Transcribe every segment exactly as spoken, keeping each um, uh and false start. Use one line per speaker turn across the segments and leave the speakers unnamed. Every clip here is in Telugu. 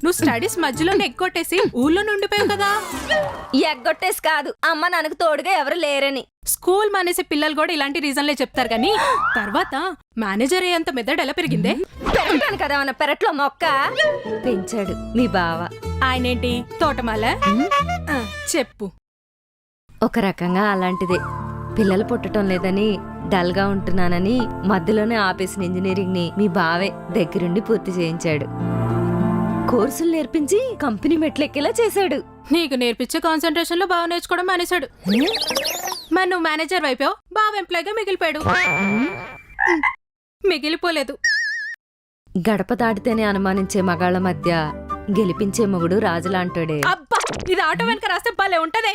నువ్వు స్టడీస్ మధ్యలోనే ఎగ్గొట్టేసి ఊళ్ళో నుండిపోయావు కదా.
ఎగ్గొట్టేసి కాదు, అమ్మ నాకు తోడుగా ఎవరు లేరని.
స్కూల్ మానేసే పిల్లలు కూడా ఇలాంటి రీజన్లే చెప్తారు కానీ తర్వాత మేనేజర్ అయ్యేంత మెదడు ఎలా పెరిగిందే?
పెరగటాను కదా మన పెరట్లో మొక్క పెంచాడు మీ బావ.
ఆయనేంటి తోటమాల? ఆ, చెప్పు.
ఒక రకంగా అలాంటిదే. పిల్లలు పుట్టడం లేదని డల్ గా ఉంటున్నానని మధ్యలోనే ఆపేసిన ఇంజనీరింగ్ ని మీ బావే దగ్గరుండి పూర్తి చేయించాడు. కోర్సులు నేర్పించి కంపెనీ మెట్లెక్కేలా చేశాడు.
నీకు నేర్పించే కాన్సన్ట్రేషన్ లో బాగా నేర్చుకోవడం మానేశాడు. మరి నువ్వు మేనేజర్ వైపు బాగా ఎంప్లాయ్గా మిగిలిపోయాడు. మిగిలిపోలేదు.
గడప దాటితేనే అనుమానించే మగాళ్ళ మధ్య గెలిపించే మొగుడు రాజులాంటాడే.
అబ్బా, ఇది ఆటో వెనక రాస్తే భలే ఉంటదే.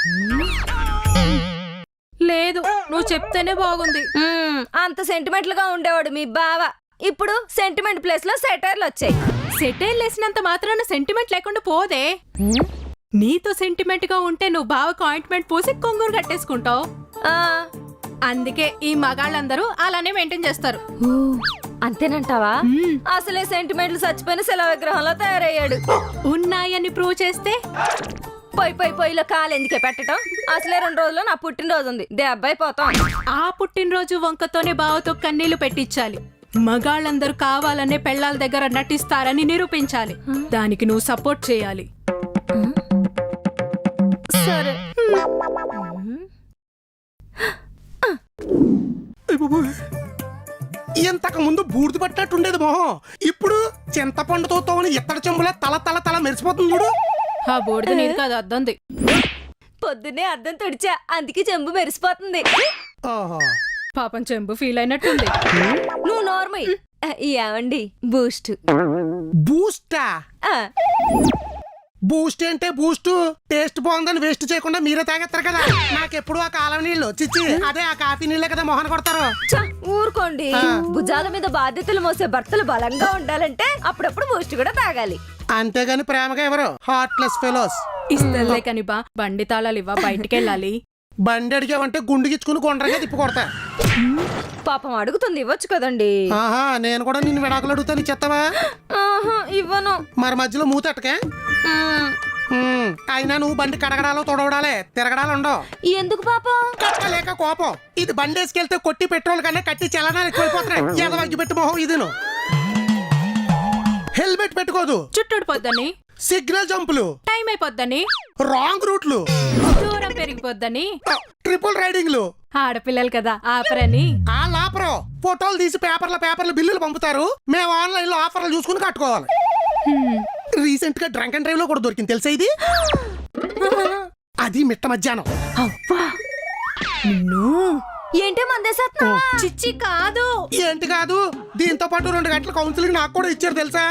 లేదు, నువ్వు చెప్తేనే బాగుంది.
అంత సెంటిమెంట్ గా ఉండేవాడు మీ బావ. ఇప్పుడు సెంటిమెంట్ ప్లేస్ లో సెటైర్లు వచ్చాయి.
సెటైల్ వేసినంత మాత్రాన సెంటిమెంట్ లేకుండా పోదే. నీతో సెంటిమెంట్ గా ఉంటే నువ్వు బావకు ఆయింట్మెంట్ పూసి కొంగురు కట్టేసుకుంటావు. అందుకే ఈ మగాళ్ళందరూ అలానే మెయింటైన్ చేస్తారు.
అంతేనంటావా? అసలే సెంటిమెంట్లు చచ్చిపోయిన శిలా విగ్రహంలో తయారయ్యాడు.
ఉన్నాయని ప్రూవ్ చేస్తే
పొయ్యి పొయ్యి పొయ్యిలో కాలు ఎందుకే పెట్టడం? అసలే రెండు రోజుల్లో నా పుట్టినరోజు ఉంది, దెబ్బై పోతాం.
ఆ పుట్టినరోజు వంకతోనే బావతో కన్నీళ్లు పెట్టించాలి. మగాళ్ళందరూ కావాలనే పెళ్లాల దగ్గర నటిస్తారని నిరూపించాలి. దానికి నువ్వు సపోర్ట్ చేయాలి.
సరే.
ఇంతకు ముందు బూడిద పట్టినట్టుండేది మొహం, ఇప్పుడు చింతపండుతో తోని ఇత్తడి చెంబులా తల తల తల మెరిసిపోతుంది చూడు.
ఆ బోర్డు నీది కాదు, అద్దంది.
పొద్దున్నే అద్దం తుడిచా, అందుకే చెంబు మెరిసిపోతుంది.
పాపం చెంబు ఫీల్ అయినట్టుంది.
నువ్వు నార్మల్. ఏమండి బూస్ట్?
బూస్టా? బూస్ట్ అంటే బూస్ట్ టేస్ట్ బాగుందని వేస్ట్ చేయకుండా మీరే తాగేస్తారు కదా. నాకెప్పుడు ఆ కాలం నీళ్ళు చిచ్చి అదే ఆ కాఫీ నీళ్ళే కదా మొహన కొడతారు.
ఊరుకోండి. భుజాల మీద బాధ్యతలు మోసే భర్తలు బలంగా ఉండాలంటే అప్పుడప్పుడు బూస్ట్ కూడా తాగాలి.
అంతేగాని ప్రేమగా ఎవరు హార్ట్లెస్ ఫెలోస్.
ఇస్తలే కాని బా, బండి తాళాలు ఇవ్వ, బయటికి వెళ్ళాలి.
బండి అడిగావంటే గుండు గిచ్చుకుని కొండరగా తిప్పి కొడతా.
పాపం అడుగుతుంది, ఇవ్వచ్చు కదండి.
ఆహా, నేను కూడా నిన్ను విడాకులు అడుగుతాను, చెత్తవా?
ఇవ్వను.
మరి మధ్యలో మూతెట్టకే. అయినా నువ్వు బండి కడగడాలో తొడవడాలే, తిరగడాలు ఉండవు.
ఎందుకు పాపం?
కట్టలేక కోపం. ఇది బండి వేసుకెళ్తే కొట్టి పెట్రోల్ కన్నా కట్టి చలనాలు ఎక్కువైపోతున్నాయి. ఎదవగ్గి పెట్టి మొహం ఇది. హెల్మెట్ పెట్టుకోదు,
చుట్టుడిపోద్దని.
సిగ్నల్ జంపులు,
టైం అయిపోద్దని.
రాంగ్ రూట్లు,
దూరం పెరిగిపోద్దని.
ట్రిపుల్ రైడింగ్లు.
ఆడపిల్లలు కదా ఆపరని.
ఆ లాపరో ఫోటోలు తీసి పేపర్ల పేపర్ల బిల్లులు పంపుతారు. మేము ఆన్లైన్ లో ఆఫర్లు చూసుకుని కట్టుకోవాలి. రీసెంట్ గా డ్రంక్ అండ్ డ్రైవ్ లో కూడా దొరికింది తెలుసా ఇది. అది మిట్ట మధ్యాహ్నం.
ఏంటి మందేసేస్తున్నా?
చిచ్చి కాదు.
ఏంటి కాదు, దీంతో పాటు రెండు గంటల కౌన్సిలింగ్ నాకు కూడా ఇచ్చారు తెలుసా.